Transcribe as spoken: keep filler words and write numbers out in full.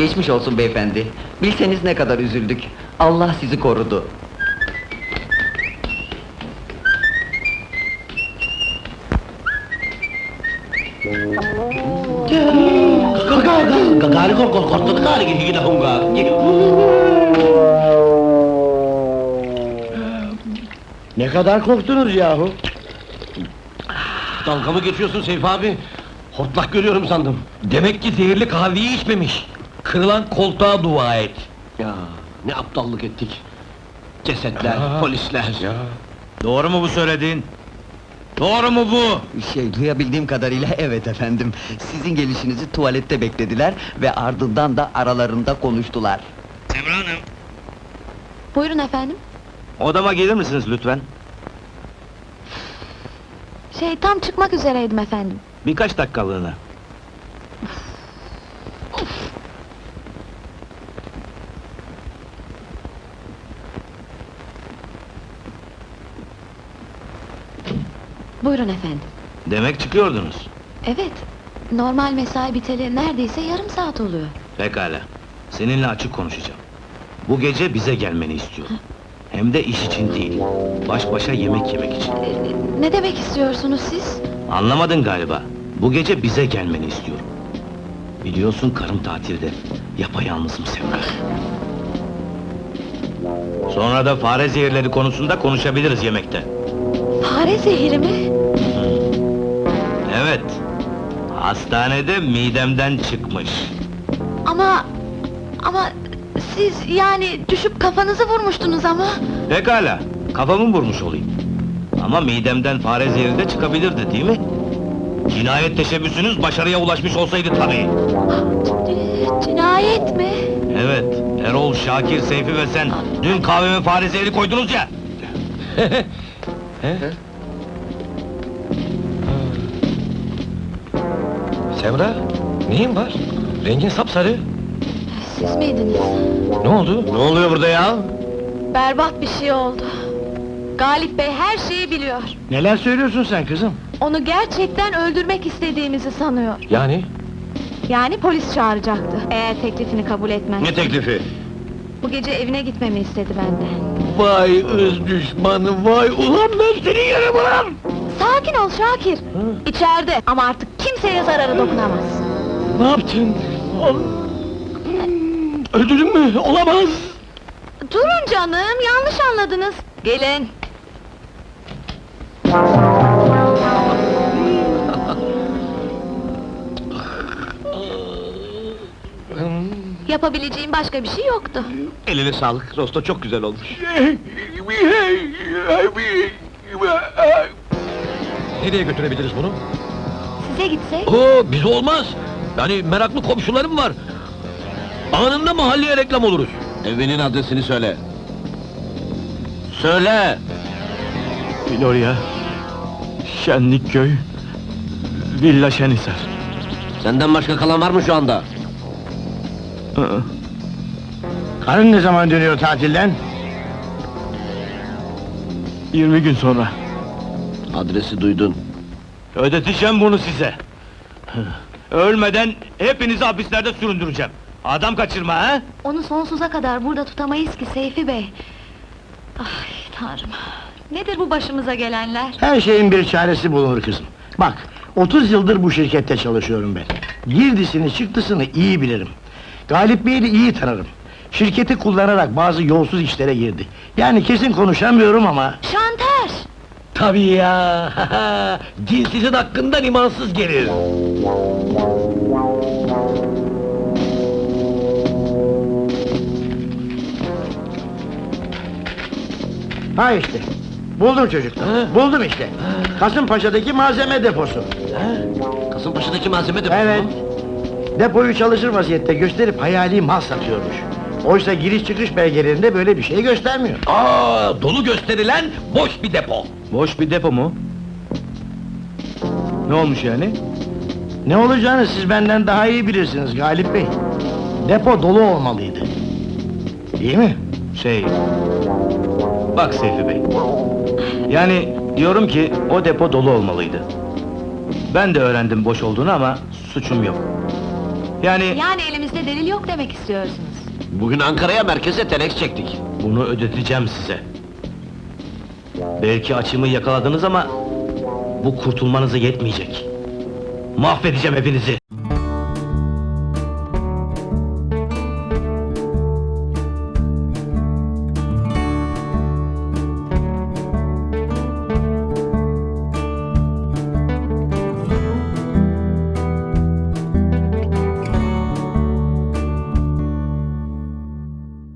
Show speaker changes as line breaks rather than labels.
Geçmiş olsun beyefendi. Bilseniz ne kadar üzüldük. Allah sizi korudu.
Gari kok korktu kali gigi dah enggak.
Ne kadar korktunuz yahu?
Dalga mı geçiyorsun Seyfi abi? Hortlak görüyorum sandım.
Demek ki zehirli kahveyi içmemiş. Kırılan koltuğa dua et.
Ya ne aptallık ettik. Cesetler,
Ya.
polisler.
Doğru mu bu söylediğin? Doğru mu bu?
Şey, duyabildiğim kadarıyla evet efendim. Sizin gelişinizi tuvalette beklediler ve ardından da aralarında konuştular.
Semra Hanım.
Buyurun efendim.
Odama gelir misiniz lütfen?
Şey, tam çıkmak üzereydim efendim.
Birkaç dakikalığına.
Buyurun efendim.
Demek çıkıyordunuz.
Evet, normal mesai biteli neredeyse yarım saat oluyor.
Pekala. Seninle açık konuşacağım. Bu gece bize gelmeni istiyorum. Hem de iş için değil. Baş başa yemek yemek için.
Ee, Ne demek istiyorsunuz siz?
Anlamadın galiba. Bu gece bize gelmeni istiyorum. Biliyorsun karım tatilde. Yapayalnızım Semra. Sonra da fare zehirleri konusunda konuşabiliriz yemekte.
Fare zehiri mi?
Evet. Hastanede midemden çıkmış.
Ama... Ama... Siz yani düşüp kafanızı vurmuştunuz ama...
Pekala. Kafamı vurmuş olayım. Ama midemden fare zehri de çıkabilirdi değil mi? Cinayet teşebbüsünüz başarıya ulaşmış olsaydı tabii.
C- Cinayet mi?
Evet, Erol, Şakir, Seyfi ve sen dün kahveme fare zehri koydunuz ya!
Semra, neyin var? Rengin sapsarı.
Siz miydiniz?
Ne oldu? Ne oluyor burada ya?
Berbat bir şey oldu. Galip Bey her şeyi biliyor.
Neler söylüyorsun sen kızım?
Onu gerçekten öldürmek istediğimizi sanıyor.
Yani?
Yani polis çağıracaktı, eğer teklifini kabul etmez.
Ne teklifi?
Bu gece evine gitmemi istedi benden.
Vay ız düşmanı vay! Ulan ben seni yerim ulan!
Sakin ol Şakir! İçeride ama artık kimseye zararı dokunamaz.
Ne yaptın? Öldürdün mü? Olamaz!
Durun canım, yanlış anladınız. Gelin. Yapabileceğim başka bir şey yoktu.
Eline sağlık, rosto çok güzel olmuş. Nereye götürebiliriz bunu?
Size gitsek?
Oo, biz olmaz! Yani meraklı komşularım var. Anında mahalleye reklam oluruz. Evinin adresini söyle. Söyle!
Florya, Şenlikköy, Villa Şenisar.
Senden başka kalan var mı şu anda?
Hı.
Karın ne zaman dönüyor tatilden?
yirmi gün sonra.
Adresi duydun.
Ödeteceğim bunu size. Ölmeden hepinizi hapislerde süründüreceğim. Adam kaçırma ha?
Onu sonsuza kadar burada tutamayız ki Seyfi Bey. Ay Tanrım! Nedir bu başımıza gelenler?
Her şeyin bir çaresi bulunur kızım. Bak, otuz yıldır bu şirkette çalışıyorum ben. Girdisini çıktısını iyi bilirim. Galip Bey'i de iyi tanırım. Şirketi kullanarak bazı yolsuz işlere girdi. Yani kesin konuşamıyorum ama...
Şantaj!
Tabii ya! Dinsizin hakkından imansız gelir.
Ha işte, buldum çocuklar,
Ha?
buldum işte. Kasımpaşa'daki malzeme deposu.
Kasımpaşa'daki malzeme deposu
Evet.
mu?
Depoyu çalışır vaziyette gösterip hayali mal satıyormuş. Oysa giriş çıkış belgelerinde böyle bir şey göstermiyor.
Aa, dolu gösterilen boş bir depo.
Boş bir depo mu? Ne olmuş yani?
Ne olacağını siz benden daha iyi bilirsiniz Galip Bey. Depo dolu olmalıydı. Değil mi?
Şey... Bak Seyfi Bey... Yani diyorum ki o depo dolu olmalıydı. Ben de öğrendim boş olduğunu ama suçum yok. Yani
Yani elimizde delil yok demek istiyorsunuz.
Bugün Ankara'ya merkeze telex çektik.
bunu ödeteceğim size. Belki açımı yakaladınız ama bu kurtulmanıza yetmeyecek. Mahvedeceğim hepinizi.